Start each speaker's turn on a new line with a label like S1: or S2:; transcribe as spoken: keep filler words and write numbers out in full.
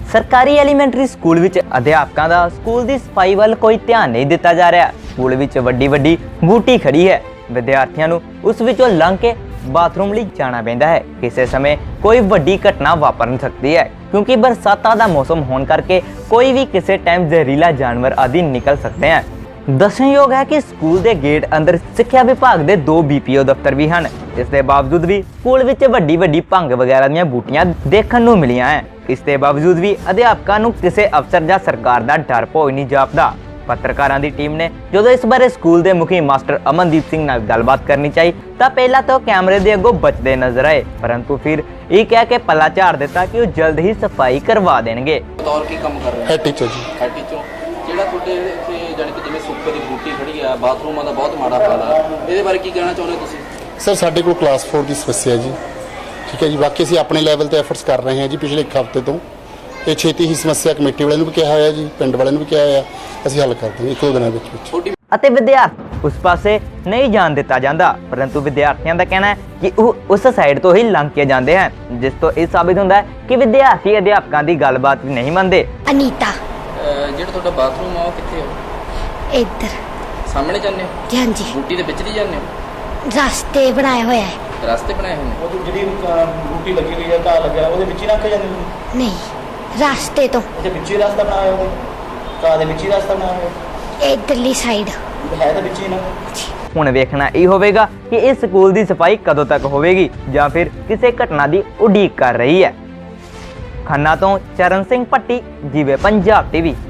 S1: ਸਰਕਾਰੀ elementary school ਵਿੱਚ ਅਧਿਆਪਕਾਂ ਦਾ ਸਕੂਲ ਦੀ ਸਫਾਈ ਵੱਲ ਕੋਈ ਧਿਆਨ ਨਹੀਂ ਦਿੱਤਾ ਜਾ ਰਿਹਾ। ਸਕੂਲ ਵਿੱਚ ਵੱਡੀ ਵੱਡੀ ਬੂਟੀ ਖੜੀ ਹੈ। ਵਿਦਿਆਰਥੀਆਂ ਨੂੰ ਉਸ ਵਿੱਚੋਂ ਲੰਘ ਕੇ ਬਾਥਰੂਮ ਲਈ ਜਾਣਾ ਪੈਂਦਾ ਹੈ। ਕਿਸੇ ਸਮੇਂ ਕੋਈ ਵੱਡੀ ਘਟਨਾ ਵਾਪਰ ਸਕਦੀ ਹੈ ਕਿਉਂਕਿ ਬਰਸਾਤਾਂ ਦਾ ਮੌਸਮ ਹੋਣ ਕਰਕੇ ਕੋਈ ਵੀ ਕਿਸੇ ਟਾਈਮ ਜ਼ਹਿਰੀਲਾ ਜਾਨਵਰ ਆਦਿ ਨਿਕਲ ਸਕਦੇ ਹਨ। ਦੱਸਣਯੋਗ ਹੈ ਕਿ ਸਕੂਲ ਦੇ ਗੇਟ ਅੰਦਰ ਸਿੱਖਿਆ ਵਿਭਾਗ ਦੇ ਦੋ ਬੀ ਪੀ ਓ ਦਫ਼ਤਰ ਵੀ ਹਨ। ਇਸ ਦੇ ਬਾਵਜੂਦ ਵੀ ਸਕੂਲ ਵਿੱਚ ਵੱਡੀ ਵੱਡੀ ਭੰਗ ਵਗੈਰਾ ਦੀਆਂ ਬੂਟੀਆਂ ਦੇਖਣ ਨੂੰ ਮਿਲੀਆਂ ਹੈ। ਇਸ ਦੇ ਬਾਵਜੂਦ ਵੀ ਅਧਿਆਪਕਾਂ ਨੂੰ ਕਿਸੇ ਅਫਸਰ ਜਾਂ ਸਰਕਾਰ ਦਾ ਡਰ ਭੋਗ ਨਹੀਂ ਜਾਪਦਾ। ਪੱਤਰਕਾਰਾਂ ਦੀ ਟੀਮ ਨੇ ਜਦੋਂ ਇਸ ਬਾਰੇ ਸਕੂਲ ਦੇ ਮੁਖੀ ਮਾਸਟਰ ਅਮਨਦੀਪ ਸਿੰਘ ਨਾਲ ਗੱਲਬਾਤ ਕਰਨੀ ਚਾਹੀ ਤਾਂ ਪਹਿਲਾਂ ਤਾਂ ਕੈਮਰੇ ਦੇ ਅੱਗੋਂ ਬਚਦੇ ਨਜ਼ਰ ਆਏ, ਪਰੰਤੂ ਫਿਰ ਇਹ ਕਹਿ ਕੇ ਪੱਲਾ ਝਾੜ ਦਿੱਤਾ ਕਿ ਉਹ ਜਲਦ ਹੀ ਸਫਾਈ ਕਰਵਾ ਦੇਣਗੇ।
S2: ਬਤੌਰ ਕੀ ਕੰਮ ਕਰ ਰਹੇ
S3: head teacher ji.
S2: Head teacher ਜਿਹੜਾ ਤੁਹਾਡੇ ਇੱਥੇ ਜਾਨੀ ਕਿ ਜਿਵੇਂ ਸੁੱਕੇ ਦੀ ਬੂਟੀ ਖੜੀ ਆ, ਬਾਥਰੂਮਾਂ ਦਾ ਬਹੁਤ ਮਾੜਾ ਹਾਲ ਆ, ਇਹਦੇ ਬਾਰੇ ਕੀ ਕਹਿਣਾ ਚਾਹੁੰਦੇ ਹੋ ਤੁਸੀਂ?
S3: ਸਰ ਸਾਡੇ ਕੋਲ ਕਲਾਸ ਫੋਰ ਦੀ ਸਮੱਸਿਆ ਜੀ, ਠੀਕ ਹੈ ਜੀ। ਬਾਕੀ ਅਸੀਂ ਆਪਣੇ ਲੈਵਲ ਤੇ ਐਫਰਟਸ ਕਰ ਰਹੇ ਹਾਂ ਜੀ ਪਿਛਲੇ ਇੱਕ ਹਫ਼ਤੇ ਤੋਂ। ਇਹ ਛੇਤੀ ਹੀ ਸਮੱਸਿਆ ਕਮੇਟੀ ਵਾਲਿਆਂ ਨੂੰ ਵੀ ਕਿਹਾ ਹੋਇਆ ਜੀ, ਪਿੰਡ ਵਾਲਿਆਂ ਨੂੰ ਵੀ ਕਿਹਾ ਹੋਇਆ, ਅਸੀਂ ਹੱਲ ਕਰ ਦਾਂਗੇ ਇੱਕ ਦੋ ਦਿਨਾਂ ਵਿੱਚ ਵਿੱਚ।
S1: ਅਤੇ ਵਿਦਿਆਰਥੀ ਉਸ ਪਾਸੇ ਨਹੀਂ ਜਾਣ ਦਿੱਤਾ ਜਾਂਦਾ, ਪਰੰਤੂ ਵਿਦਿਆਰਥੀਆਂ ਦਾ ਕਹਿਣਾ ਹੈ ਕਿ ਉਹ ਉਸ ਸਾਈਡ ਤੋਂ ਹੀ ਲੰਘ ਕੇ ਜਾਂਦੇ ਹਨ, ਜਿਸ ਤੋਂ ਇਹ ਸਾਬਿਤ ਹੁੰਦਾ ਹੈ ਕਿ ਵਿਦਿਆਰਥੀ ਅਧਿਆਪਕਾਂ ਦੀ ਗੱਲਬਾਤ ਵੀ ਨਹੀਂ ਮੰਨਦੇ।
S4: ਅਨੀਤਾ
S2: ਜਿਹੜਾ ਤੁਹਾਡਾ ਬਾਥਰੂਮ ਆ ਉਹ ਕਿੱਥੇ ਹੋ?
S4: ਇੱਧਰ
S2: ਸਾਹਮਣੇ ਜਾਂਦੇ ਹੋ?
S4: ਹਾਂਜੀ,
S2: ਬੂਟੀ ਦੇ ਵਿੱਚ ਦੀ ਜਾਂਦੇ ਹੋ?
S4: ਰਸਤੇ ਬਣਾਇਆ ਹੋਇਆ ਹੈ।
S2: ਰਸਤੇ ਬਣਾਏ ਹੋਏ ਨੇ?
S5: ਉਹ ਜਿਹੜੀ ਬੂਟੀ ਲੱਗੀ ਹੋਈ ਹੈ, ਘਾਹ ਲੱਗਿਆ ਉਹਦੇ ਵਿੱਚ ਹੀ ਰੱਖ ਜਾਂਦੇ ਨੇ?
S4: ਨਹੀਂ, ਰਸਤੇ ਤੋਂ
S5: ਅੱਛਾ, ਵਿੱਚ ਹੀ ਰਸਤਾ ਬਣਾਇਆ ਉਹਦੇ, ਘਾਹ ਦੇ ਵਿੱਚ ਹੀ ਰਸਤਾ ਬਣਾਇਆ ਹੋਇਆ
S4: ਇੱਧਰਲੀ ਸਾਈਡ
S5: ਹੈ ਤਾਂ ਵਿੱਚ ਹੀ ਨਾ।
S1: ਹੁਣ ਵੇਖਣਾ ਇਹ ਹੋਵੇਗਾ ਕਿ ਇਸ ਸਕੂਲ ਦੀ ਸਫਾਈ ਕਦੋਂ ਤੱਕ ਹੋਵੇਗੀ ਜਾਂ ਫਿਰ ਕਿਸੇ ਘਟਨਾ ਦੀ ਉਡੀਕ ਕਰ ਰਹੀ ਹੈ। ਖੰਨਾ ਤੋਂ ਚਰਨ ਸਿੰਘ ਭੱਟੀ, ਜੀਵੇ ਪੰਜਾਬ ਟੀਵੀ।